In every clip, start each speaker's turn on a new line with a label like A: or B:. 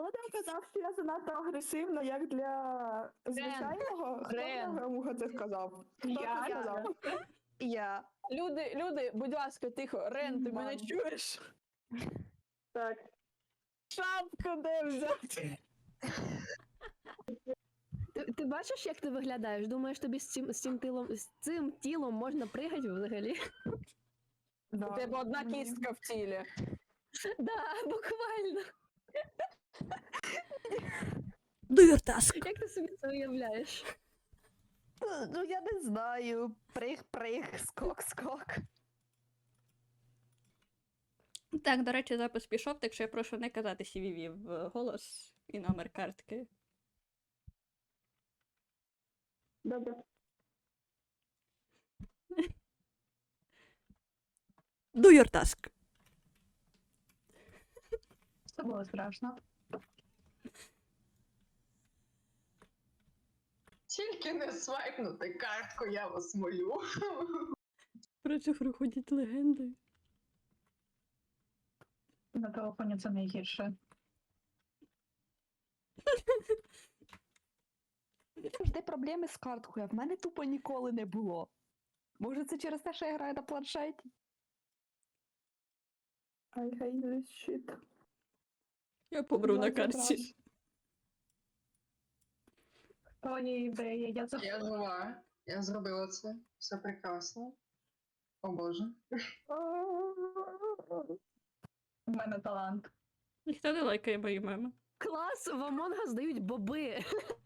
A: Володя казав, що я занадто агресивна, як для звичайного. Хто Грамуха це сказав? Хто це сказав?
B: Я.
A: Люди, будь ласка, тихо. Рен, ти мене чуєш?
C: Так.
A: Шапку де взяти?
B: Ти бачиш, як ти виглядаєш? Думаєш, тобі з цим тілом можна пригати взагалі?
A: У тебе одна кістка в тілі.
B: Да, буквально.
D: Do your task.
B: Як ти собі це уявляєш?
D: Ну, я не знаю. Прих, скок.
E: Так, до речі, запис пішов, так що я прошу не казати CVV в голос і номер картки.
C: Добре.
D: Do your task.
F: Це було страшно.
G: Тільки не свайпнути картку, я вас молю.
E: Про це проходять легенди.
F: На телефоні це найгірше.
D: Завжди проблеми з карткою, а в мене тупо ніколи не було. Може, це через те, що я граю на планшеті?
A: I hate this shit.
E: Я помру на картці.
F: О, ні, ідея, я це...
G: Я жива. Я зробила це. Все прекрасно. О боже.
F: У мене талант.
E: Ніхто не лайкає мої меми.
B: Клас, в Among Us дають боби.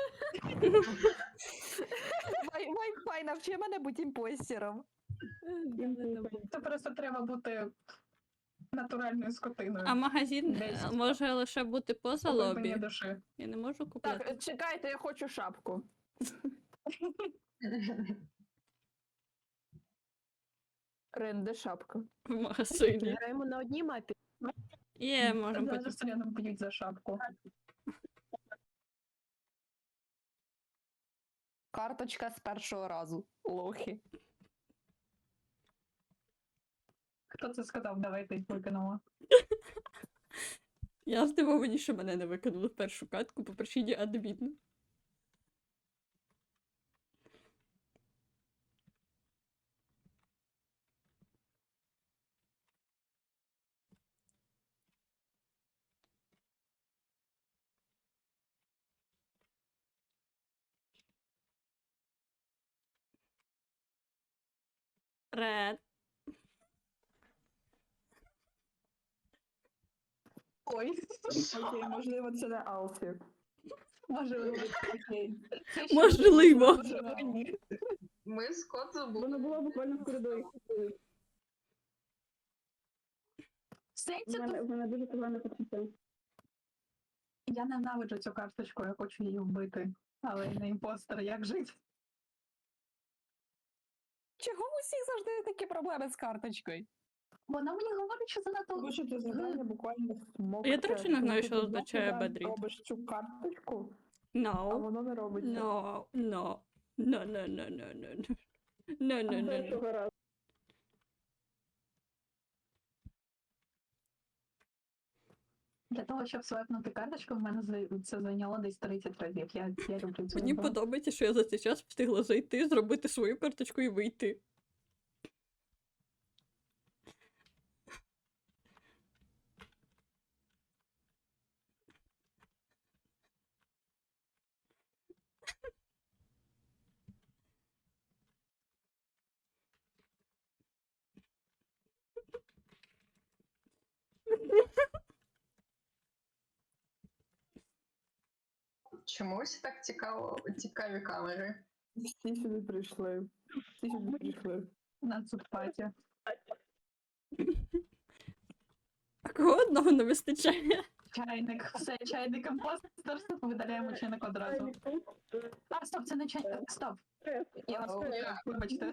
D: Wi-Fi навчи мене бути імпостером.
F: Це просто треба бути натуральною скотиною.
E: А магазин
F: Десять.
E: може лише бути поза лобі.
F: Глибині душі.
E: Я не можу купити
A: Так, чекайте, я хочу шапку. Рен, де шапка?
E: в магазині.
B: Граємо на одній мапі.
E: Є, можемо
F: Зараз
E: бути.
F: селяном б'ють за шапку.
D: Карточка з першого разу. Лохи.
F: Хто це сказав? Давайте їх викинемо.
E: Я здивовані, що мене не викинули в першу катку по причині адміну. Ред.
F: Ой,
A: Окей, можливо, це не Алфі.
F: можливо, окей.
E: Можливо.
G: Ми з кот забули.
C: Воно було буквально в коридорі.
F: Сенсі,
C: В мене дуже погане почуття.
F: я ненавиджу цю карточку, я хочу її вбити. Але я не імпостер, як жити?
D: Чого у всіх завжди такі проблеми з карточкою?
F: Вона мені говорить, що занадто...
A: Тому що це завдання буквально смокче.
E: Я, до речі, не знаю, що
A: Коли ти
E: означає
A: раз
E: бедріт.
A: робиш цю карточку, а
E: No.
A: воно не робиться.
E: No. No. No, no, no, no, no, no. No, no, no, no.
C: Першого разу.
F: Для того, щоб свайпнути карточку, в мене це зайняло десь 30 разів. Я люблю цю
E: Мені
F: гру.
E: подобається, що я за цей час встигла зайти, зробити свою карточку і вийти.
G: Чомусь так цікаві камери.
A: Всі сюди прийшли. Всі сюди прийшли.
F: На цупаті.
E: А кого одного не вистачає?
F: Чайник, все, чайник імпостер, видаляємо чайник одразу. А, стоп, це не чайник, стоп. Я вас вибачте.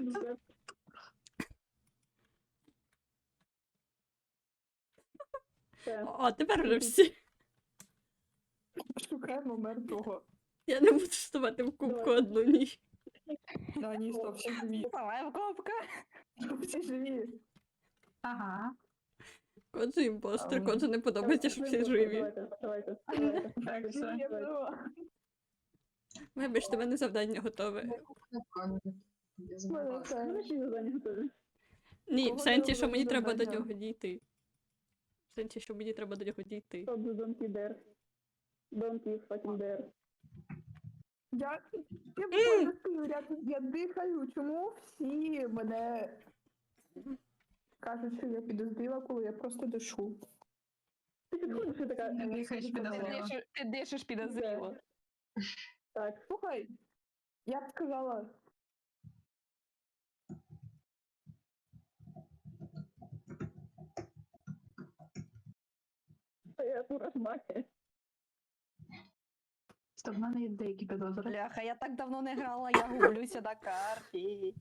E: О, тепер вже всі.
A: Шукаємо мертвого.
E: Я не буду вставати в кубку одну ніч.
A: Да, ні, стоп, всі живі.
D: Давай в копка.
A: Всі живі.
F: Ага.
E: Кот це імпостер,
A: Ам,
E: коту не подобається, що всі живі.
C: Давайте.
F: Так, все.
A: Я була.
E: Вибачте, в мене завдання готове.
G: Я
A: Мене
G: забула.
A: це-
C: Ну, всі завдання готові.
E: Ні, в
A: Кого
E: сенсі,
A: ти
E: що мені треба до
A: завдання?
E: нього дійти. В сенсі, що мені треба до нього дійти.
C: Stop the donkey there. Donkey fucking there.
A: Я буквально стою рядом, я дихаю. Чому всі мене кажуть, що я підозріла, коли я просто дишу?
C: Ти підходиш і така...
F: Не дихаєш підозріло.
D: Ти дишиш підозріло.
C: Так.
A: Слухай, я б сказала,
C: Я мурашмахи.
F: Стоп, в мене є деякі підозри.
D: Бляха, я так давно не грала, я гублюся на карті.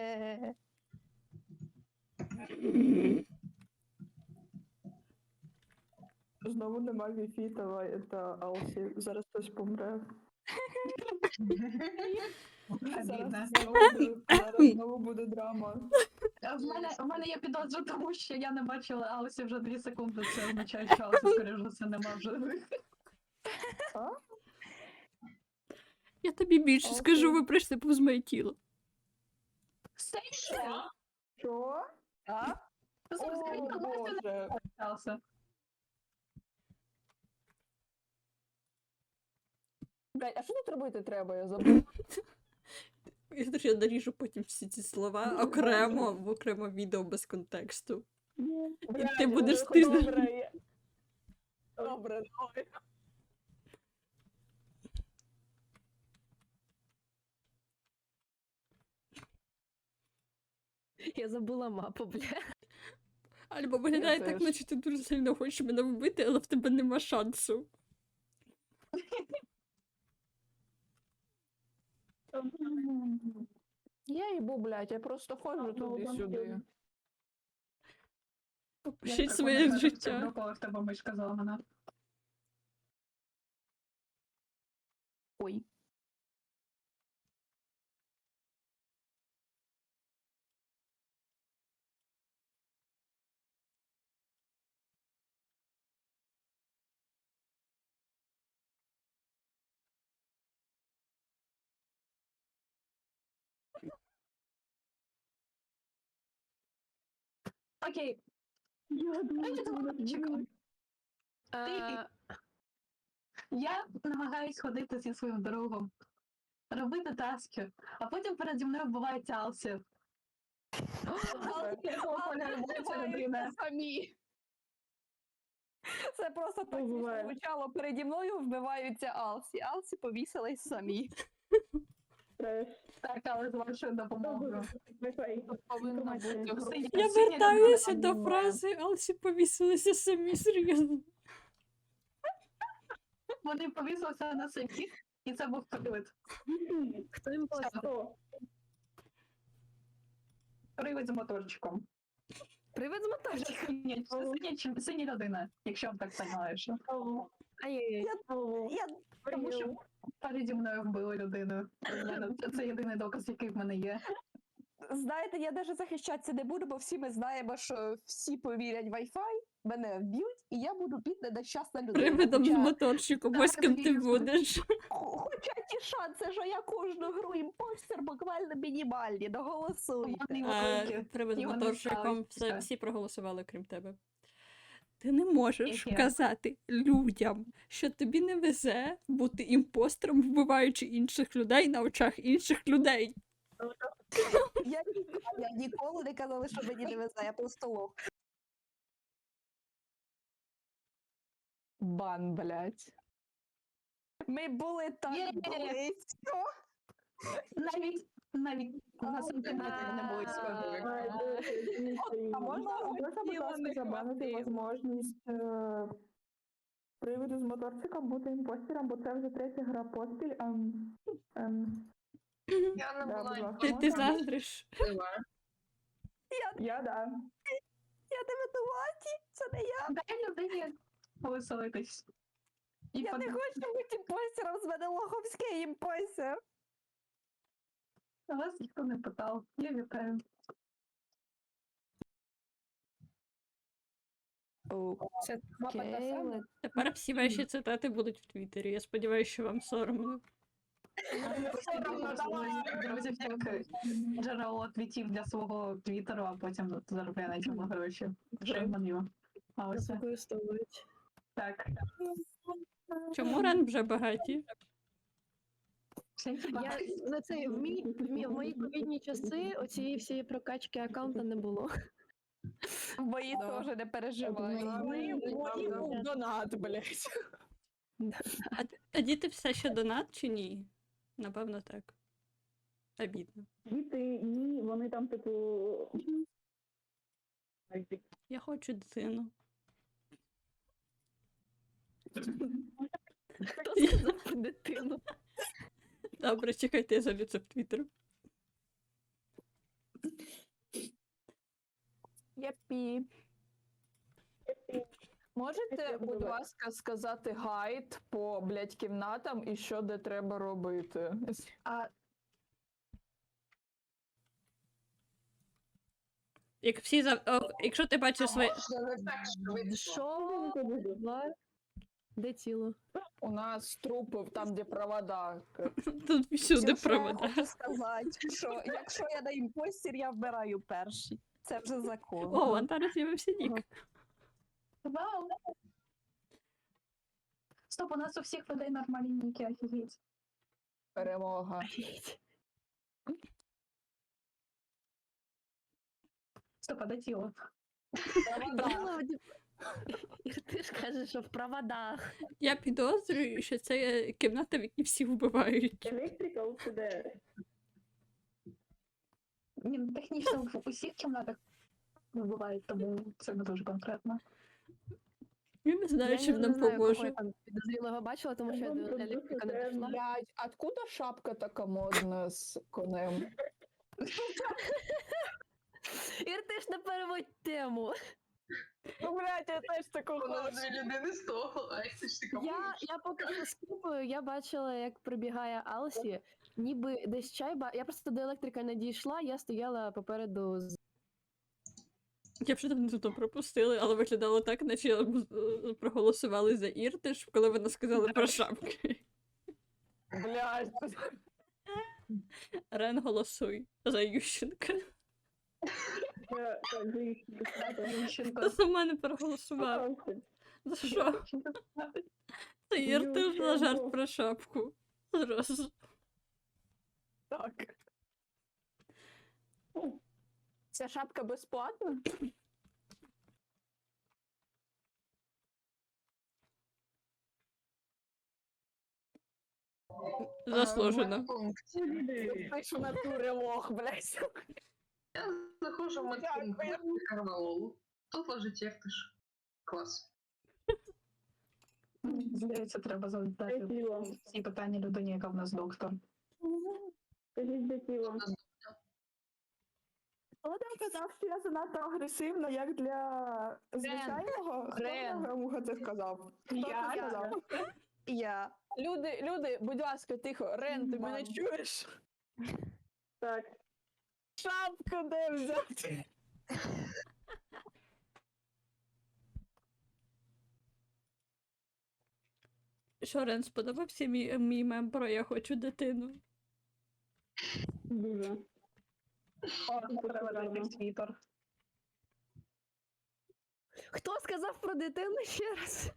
A: знову нема Віфі та Алсі. Зараз хтось помре.
F: Обідно.
A: Зараз знову буде драма.
F: В мене є підозра, тому що я не бачила Алсі вже 2 секунди. Це означає, що Алсі, скоріш за все, нема вже.
E: Я тобі більше
A: Окей.
E: скажу, ви прийшли повз моє тіло.
A: Що?
D: А?
A: О, Боже.
F: Алсі.
D: Блядь, а що тут робити треба? Я забув.
E: Я наріжу потім всі ці слова окремо, в окремо відео без контексту. І ти будеш тиждень.
D: Добре, добре. Я забула мапу, бля.
E: Альбо виглядає
A: Я
E: так,
A: теж.
E: наче ти дуже сильно хочеш мене вбити, але в тебе нема шансу.
D: Я їбу, блядь, я просто ходжу туди-сюди.
E: Пишіть своє життя.
F: Коли в тебе мишка зламана.
D: Ой.
F: Окей.
C: Я думаю, що вона
F: Чекай.
B: А,
F: Я намагаюсь ходити зі своїм другом, робити таски, а потім переді мною вбивається Алсі.
D: Самі. Це просто так
C: Буває.
D: звучало. Переді мною вбиваються Алсі. Алсі повісились самі.
C: треш.
F: Так, але з вашою допомогою.
C: Wi-Fi.
D: Повинно бути
F: Синя-
E: Я
F: синя
E: вертаюся
F: людина
E: до
F: вбиває.
E: фрази Алсі повісилися самі, серйозно.
F: Вони повісилися на самі, і це був привид.
B: хто імпостер?
C: Хто?
F: Привид з моторчиком.
B: Привид з мотажки.
F: Синя людина, якщо так знаєш.
B: Ай-яй-яй.
F: Тому що переді мною вбили людину. Це єдиний доказ, який в мене є.
D: Знаєте, я навіть захищатися не буду, бо всі ми знаємо, що всі повірять в Wi-Fi, мене вб'ють, і я буду бідна нещасна людина.
E: Привидом з
D: Хоча-
E: моторчиком, ось ким ти будеш.
D: Хоча ті шанси, що я кожну гру імпостер буквально мінімальні, доголосуйте.
F: Вони великі.
E: Привид з
F: І вони
E: моторчиком,
F: ставлять
E: все,
F: все.
E: всі проголосували, крім тебе. Ти не можеш
F: Яке?
E: казати людям, що тобі не везе бути імпостером, вбиваючи інших людей на очах інших людей.
D: Я ніколи не казала, що мені не везе, я просто лох. Бан, блядь. Ми були так
F: Є.
D: близько.
F: Навіть на сантиметр не були схожі.
C: Ай, Боже, дивіться,
D: А можна
A: Можна, будь
D: тіло
A: ласка,
D: не
A: забанити
D: хватило.
A: можливість приводу з моторчиком бути імпостером, бо це вже 3-я гра поспіль.
B: Я
A: да, будь ласка,
E: Ти
A: можна?
E: заздриш.
A: Я, да.
D: Я не винуваті, це не я.
F: Дай людині повеселитись. І
D: Я не хочу бути імпостером, з мене лоховський імпостер.
F: Вас ніхто не питав. Я вітаю.
B: Це
D: Мапа та
B: окей,
D: сама?
E: Тепер всі ваші цитати будуть в Твіттері. Я сподіваюся, що вам соромно.
F: Друзі, як джерело твітів для свого твіттеру, а потім заробляє на цьому гроші. Шейманю. А ось це.
B: використовують.
F: Так.
E: Чому Рен вже багаті?
B: Я на це в мої ковідні часи оцієї всієї прокачки аккаунта не було.
D: Мої
A: Да.
D: теж не переживай.
A: Мої був донат, блядь.
E: А діти все ще донат чи ні? Напевно, так. Обідно.
C: Діти, ні, вони там, типу...
E: Я хочу дитину.
B: Хто сказав про дитину?
E: Добре, чекайте, я залю це в Твіттер.
D: Єпі.
A: Можете, будь ласка, сказати гайд по, блядь, кімнатам і що де треба робити?
E: Як всі якщо ти бачиш своє.
G: Можна не так швидко.
B: Що? Де тіло?
A: У нас трупи там, де провода.
E: Тут всюди
D: Все, що я
E: провода.
D: хочу сказати, що якщо я на імпостір, я вбираю перший. Це вже закон.
E: О, Антара з'явився нік.
F: Вау! Стоп, у нас у всіх людей нормальні ніки, офігеть.
A: Перемога.
F: Стоп, а де тіло?
B: Ти ж кажеш, що в проводах.
E: Я підозрюю, що це кімната, в якій всі вбивають.
C: Electrical to there.
F: Ні, ну, технічно в усіх кімнатах бувають, тому це не дуже конкретно.
E: Я не знаю,
B: Я
E: чим
B: не
E: нам
B: знаю, кого я
E: поможе.
B: там підозрілого бачила, тому що я до електрика не дійшла.
A: Блядь, откуда шапка така модна з конем?
B: Ір, ти ж не переводь тему.
A: Ну, блядь, я теж таку
G: Вона
A: хочу.
G: дві людини з того, а це ж така
B: Я поки що скіпаю, я бачила, як прибігає Алсі, ніби десь чайба. Я просто до електрика не дійшла, я стояла попереду з.
E: Я вже давно то пропустили, але виглядало так, наче проголосували за Іртиш, коли вона сказала про шапки.
A: Блядь.
E: Рен, голосуй за Ющенка.
C: Так,
F: Ющенко.
E: За мене проголосував. За що? За Іртиш на жарт про шапку. Зразу.
A: Так. Ця шапка безплатна?
E: Заслужено.
G: Медпункт.
A: Ти ж в натурі лох, блядь.
G: Я заходжу в медпункт Карвалолу. Тут лежить Євтиш. Клас.
F: Здається, треба задати
C: тіло.
F: всі питання людині, яка в нас доктор.
C: Скажіть, де тіло.
A: Хто там казав, що я занадто агресивна, як для звичайного? Хто
D: Рен.
A: Грамуха це сказав? Хто це сказав?
D: Я.
A: Люди, будь ласка, тихо. Рен, ти мене
F: Мам.
A: чуєш?
C: Так.
A: Шапку де взяти?
E: Що, Рен, сподобався мій мем про «Я хочу дитину»?
C: Дуже.
F: Треба зайти в твіттер.
B: Хто сказав про дитину ще раз?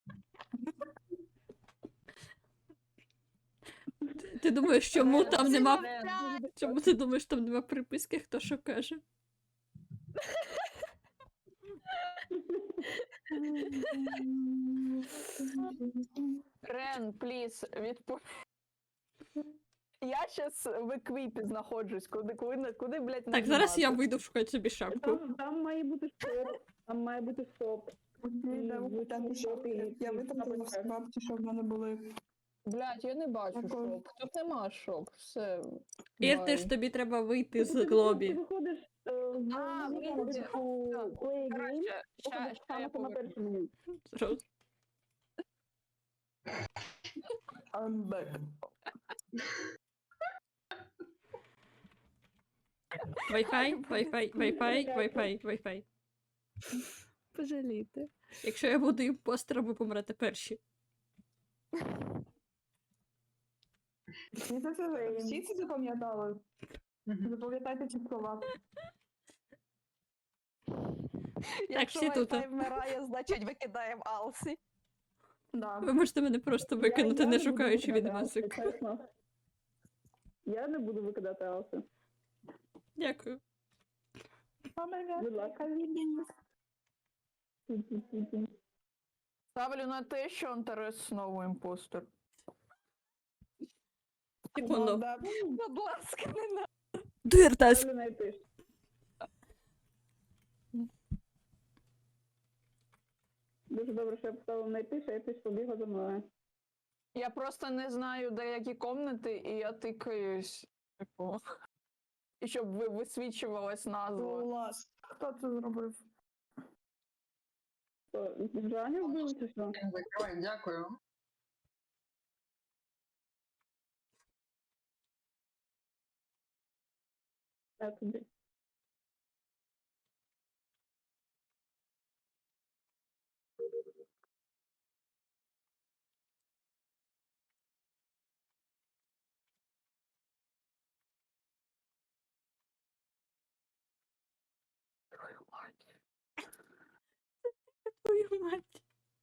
E: Ти думаєш, чому там нема. Чому ти думаєш, там нема приписки, хто що каже?
A: Рен, пліз, Я щас в еквіпі знаходжусь. Куди, блядь,
E: Так, зараз я
A: нажимати?
E: вийду шукати собі шапку.
C: Там має бути стоп. Там має бути стоп.
A: Я витратила всі бабки, що в мене були. Блядь, я не бачу Дякую. шоп. Тут нема шоп. Все.
E: Ір, ти ж тобі треба вийти з глобі.
C: Ти виходиш в
A: А, вийти.
C: Play Game,
A: Коротше,
C: виходиш
A: ща я
C: саме на
A: поверну.
C: перше меню.
E: Зразу.
A: I'm back.
E: Wi-Fi.
B: Пожалійте.
E: Якщо я буду імпостером, ви помрете перші.
A: Всі це запам'ятали. Запам'ятайте ці слова.
D: Якщо
E: всі тут,
D: Wi-Fi вмирає, значить викидаємо Алсі.
A: Да.
E: Ви можете мене просто викинути,
C: Я
E: не
C: буду
E: шукаючи
C: викидати
E: відмазок.
C: Алсу, чесно. Я не буду викидати Алсу.
E: Дякую.
C: Будь ласка.
A: Ставлю на те, що Антарес знову імпостер.
E: Секунду.
D: Будь ласка, не на.
E: Дуєртас!
C: Ставлю на Ітиш. Дуже добре, що я поставила на Ітиш, а Ітиш побігла за мною.
A: Я просто не знаю деякі комнати, і я тикаюсь. Типу. І щоб висвічувалась назва. Клас. Хто це зробив?
C: То, Жаня вбили чи що?
G: Закривай, дякую.
C: Я тобі.
E: Твою мать.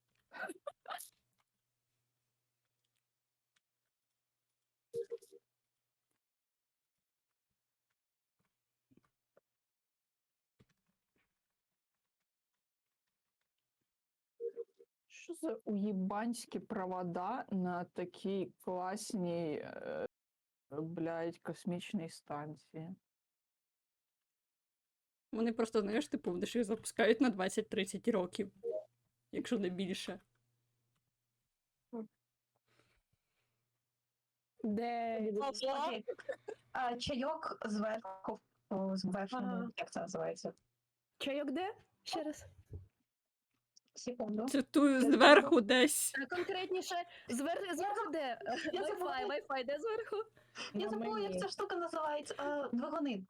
A: Що за уєбанські провода на такій класній, блядь, космічній станції?
E: Вони просто, знаєш, типу, вони ж їх запускають на 20-30 років. Якщо не більше.
B: Де?
F: Окей. Чайок зверху, зверху, як це називається?
B: Чайок де? Ще раз.
F: Секунду.
E: Цитую зверху десь.
B: Конкретніше, зверху де?
F: Я забула.
B: Wi-Fi де зверху?
F: Я забула, як ця штука називається. Двигуни.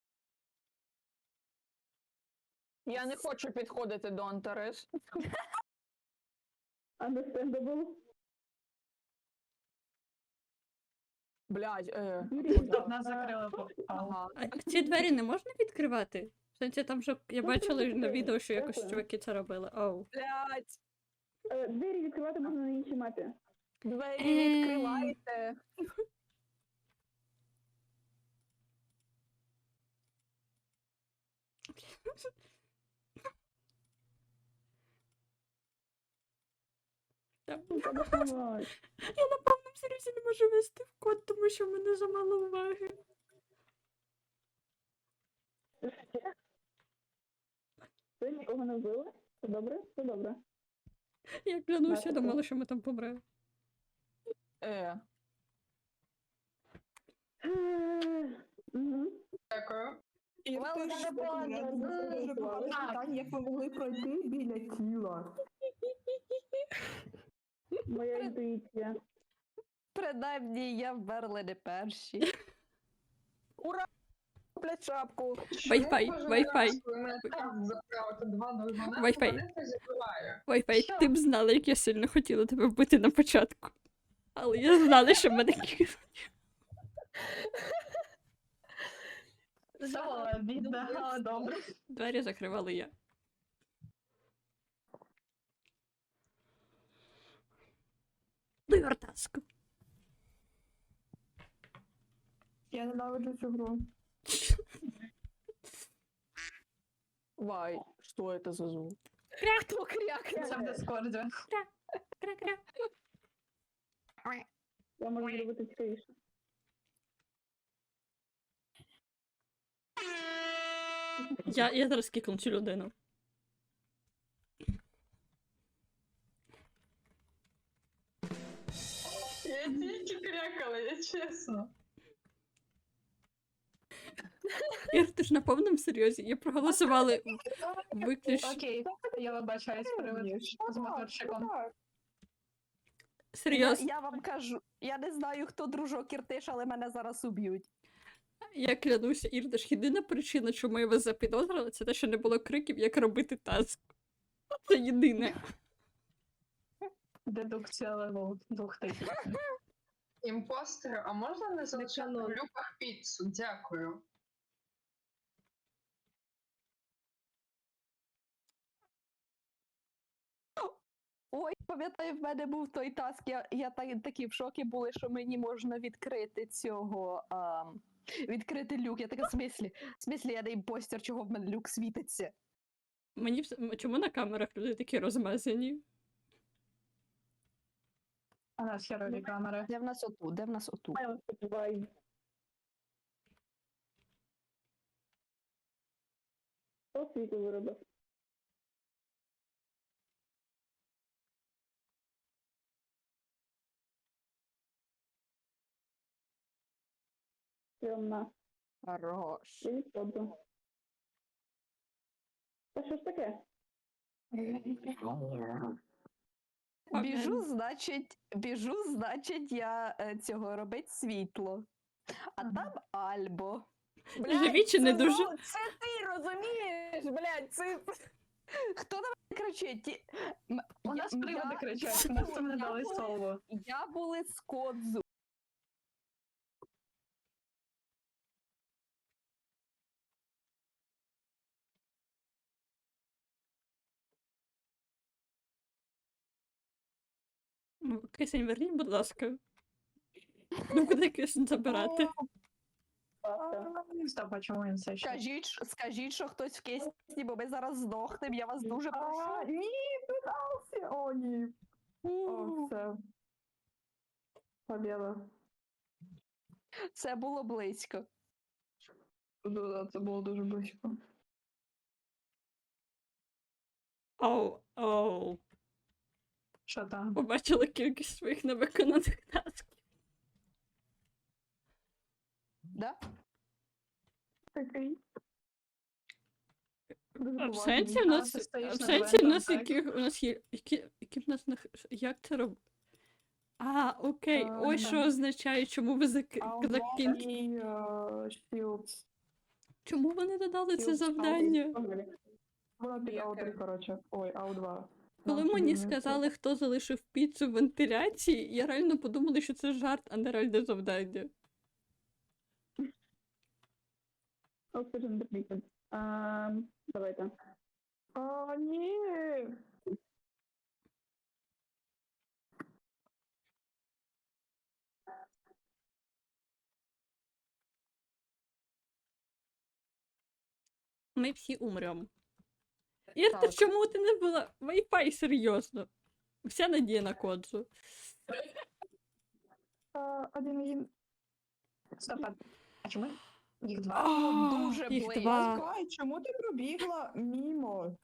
A: Я не хочу підходити до Антарес.
C: Understandable.
A: Блядь,
F: Нас закрили.
A: Ага.
E: А ці двері не можна відкривати? В сенсі, там вже я бачила на відео, що якось чуваки це робили. Оу.
A: Блядь,
C: Двері відкривати можна на іншій мапі.
A: двері відкривайте.
C: Давай.
E: Я на повному серйозі не можу вести в код, тому що в мене замало уваги.
C: Ви нікого не вбили? Все добре? Все добре.
E: Я клянуся, думала, що ми там помремо.
C: Мгм.
G: Дякую.
A: І
D: Well,
A: ти
D: це
A: ж
D: було
A: дуже багато питань, як ви могли пройти біля тіла.
C: Моя інтуїція.
D: Принаймні, я вмерла не перші.
A: Блядь, шапку.
E: Wi-Fi, Wi-Fi.
G: Мене так заправити два двигуни,
E: Wi-Fi.
G: вони це закриває.
E: Wi-Fi,
F: Що?
E: ти б знала, як я сильно хотіла тебе вбити на початку. Але я знала, що мене кинуть.
F: Все, бідна, добре.
E: Двері закривала я. Дуєртаску.
A: Я ненавиджу цю гру. Вай, що это за звук?
B: Хто крякне?
F: Це в Дискорді.
E: Кра-кра.
C: Я можу зробити цікавіше.
E: Я зараз кикну цю людину.
G: Я тільки крякала, я чесно.
E: Ір, ти ж на повному серйозі. Я проголосувала виключно.
F: Окей, я вибачаюсь, привид з моторчиком.
E: Серйозно.
D: Я вам кажу, я не знаю, хто дружок Іртиш, але мене зараз уб'ють.
E: Я клянуся, Ірдаш, єдина причина, чому я вас запідозрила, це те, що не було криків, як робити таск. Це єдине.
F: Дедукція левел 2000.
G: Імпостери, а можна не залишати в люках піцу? Дякую.
D: Ой, пам'ятаю, в мене був той таск, я такі в шокі були, що мені можна відкрити цього. Відкрити люк. Я така, в смислі, я не імпостер, чого в мене люк світиться.
E: Мені чому на камерах люди такі розмазані?
F: У нас херові камери.
D: Де в нас оту? Де в нас оту?
C: Хто світло виробив? Темна.
D: Хорош.
C: Я не подду. Та що ж таке?
D: Біжу, значить, я цього робить світло. А там Альбо.
E: Живі чи не
A: це
E: дуже?
A: Це ти розумієш, блядь, це...
D: Хто на мене кричить?
F: У нас приводи кричать, у нас там не дали слово.
D: Я були з Кодзу.
E: Кисень, верніть, будь ласка. Ну, куди кисень забирати?
F: Стоп, а чому він це ще?
D: Скажіть, що хтось в кисні, бо ми зараз здохнемо, я вас дуже прошу.
C: Ні, питався! О, ні. О, все. Побіда.
D: Це було близько.
C: Це було дуже близько.
E: Оу.
F: Що там?
E: Побачила кількість своїх невиконаних тасків.
D: Да?
C: Такий.
E: А в сенсі в нас,
F: ти стоїш
E: в
F: на
E: сенсі в нас
F: двері,
E: яких у нас є, які в нас як це робить? А, окей, ось що означає, чому ви закінчили. Чому вони додали це завдання?
C: Воно під АУ3, коротше. Ой, АУ2.
E: Коли мені сказали, хто залишив піцу в вентиляції, я реально подумала, що це жарт, а не реальне завдання.
C: Oxygen depleted. Давайте. О, ні!
E: Ми всі умремо. Ірта,
D: Так.
E: чому ти не була? Wi-Fi, серйозно. Вся надія на Кодзу.
C: Один.
F: Стоп, а чому? Їх два.
E: А,
D: дуже
E: їх
D: близько.
E: два.
C: Кай, чому ти пробігла мімо?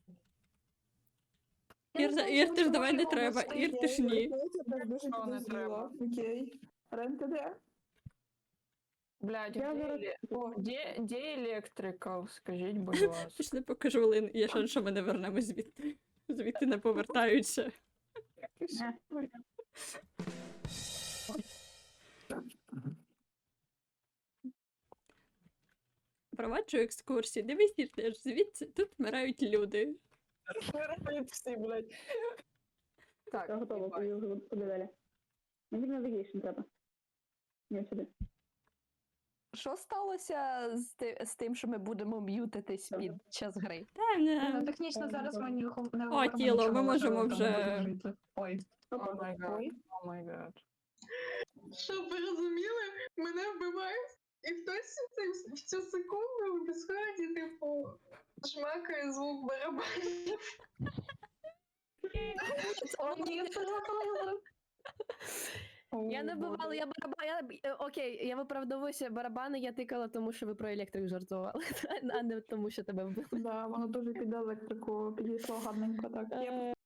E: Ірти ж давай не треба, Ірти ж ні.
C: Дуже
A: Що не
C: підозріла. Окей. Рен, ти де?
A: Блядь,
C: Я зараз-
A: де електрика? Скажіть, будь ласка.
E: Пішли покажу Лин, є шанс, що ми не вернемо звідти. Звідти не повертаються. Проваджу екскурсії. Дивись, теж звідси тут вмирають люди.
A: Вмирають всі, блядь. Так,
C: Я готова, куди далі? Мені навігейшн треба. Ні, сюди.
D: Що сталося з тим, що ми будемо м'ютитись під час гри?
E: Та
F: Ну,
E: не.
F: технічно зараз ми не
E: О,
F: говоримо
E: тіло, ми
F: нічого
E: можемо
F: важливого,
E: вже-
F: тому будемо жити. Ой.
A: О май гад, о май гад.
G: Щоб ви розуміли, мене вбивають, і хтось в цю секунду в дискорді, типу, шмакає звук барабанів.
B: Я не бувала, я барабан. Окей, я виправдовуюся, барабани я тикала, тому що ви про електрик жартували, а не тому, що тебе вбили.
C: Да, воно дуже під електрику підійшло гарненько, так.